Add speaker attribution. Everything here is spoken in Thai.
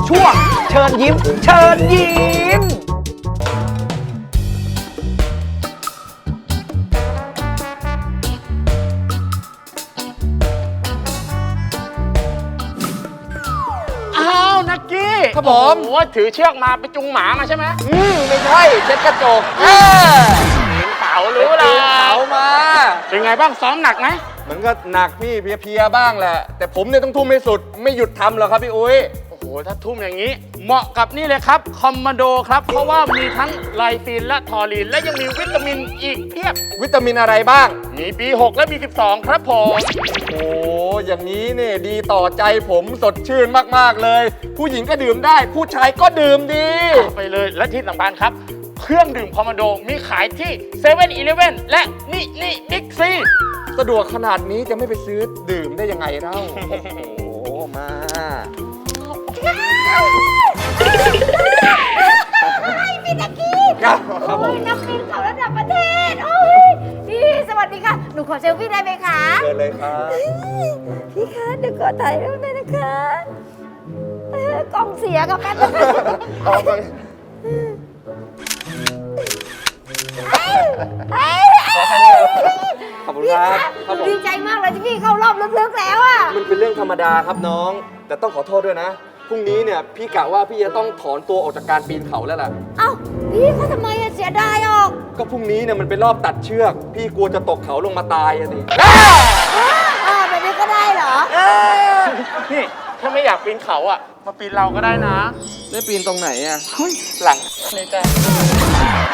Speaker 1: ช่วงเชิญยิ้มเชิญยิ้ม
Speaker 2: อ้าวนักกี้
Speaker 3: ครับผม
Speaker 2: โอ้โหถือเชือกมาไปจุงหมามาใช่ไหม
Speaker 3: ไม่ใช่เช็ดกระจก
Speaker 2: ปีนเขารู้ละ
Speaker 3: เขามา
Speaker 2: เป็นไงบ้างซ้อมหนักไหม
Speaker 3: มันก็หนักพี่เพลียๆบ้างแหละ แต่ผมเนี่ยต้องทุ่มให้สุดไม่หยุดทำหรอกครับพี่อุ้ย
Speaker 2: โอ้โหถ้าทุ่มอย่างนี้ เหมาะกับนี่เลยครับคอมมานโดครับ เพราะว่ามีทั้งไลซีนและทอรีนและยังมีวิตามินอีกเพียบ
Speaker 3: วิตามินอะไรบ้าง
Speaker 2: มี B6 และ B12 ครับผม
Speaker 3: โอ้อย่างนี้เนี่ยดีต่อใจผมสดชื่นมากๆเลย ผู้หญิงก็ดื่มได้ ผู้ชายก็ดื่มดี
Speaker 2: ไปเลยและที่สำคัญครับ เครื่องดื่มคอมมานโดมีขายที่7 e เ e ่ e อและนี่บิ๊กซี
Speaker 3: สะดวกขนาดนี้จะไม่ไปซื้อดื่มได้ยังไงเล่า โอ้โห มา
Speaker 4: พี่ตะกี้
Speaker 3: ครับครับผม
Speaker 4: โอ้ยนักบินเขาระดับประเทศ โอ้ยพี่สวัสดีค่ะ หนูขอเซลฟี่ได้ไหมคะ
Speaker 3: เชิญเลยครับ
Speaker 4: พี่คะเดี๋ยวขอถ่ายรูปหน่อยนะคะกล้องเสียกับแป๊บนึง
Speaker 3: เอาไป ขอแค่นี้ครับขอบคุณ
Speaker 4: พี่
Speaker 3: ค
Speaker 4: คะ
Speaker 3: รับ
Speaker 4: ห
Speaker 3: ครับ
Speaker 4: นู
Speaker 3: ผม
Speaker 4: ดีใจมากเลยที่พี่เข้ารอบลึกๆแล้วอ่ะ
Speaker 3: มันเป็นเรื่องธรรมดาครับน้อง แต่ต้องขอโทษด้วยนะ พรุ่งนี้เนี่ยพี่กะว่าพี่จะต้องถอนตัวออกจากการปีนเขาแล้วล่ะ
Speaker 4: เอ้าพี่เขาทำไมอะเสียดายออก
Speaker 3: ก็พรุ่งนี้เนี่ยมันเป็นรอบตัดเชือก พี่กลัวจะตกเขาลงมาตายอะสิ
Speaker 4: แบบนี้ก็ได้เหรอ
Speaker 2: นี่ถ้าไม่อยากปีนเขาอ่ะ มาปีนเราก็ได้นะ
Speaker 3: ได้ปีนตรงไหนอะ
Speaker 2: หลังนี่จ้ะ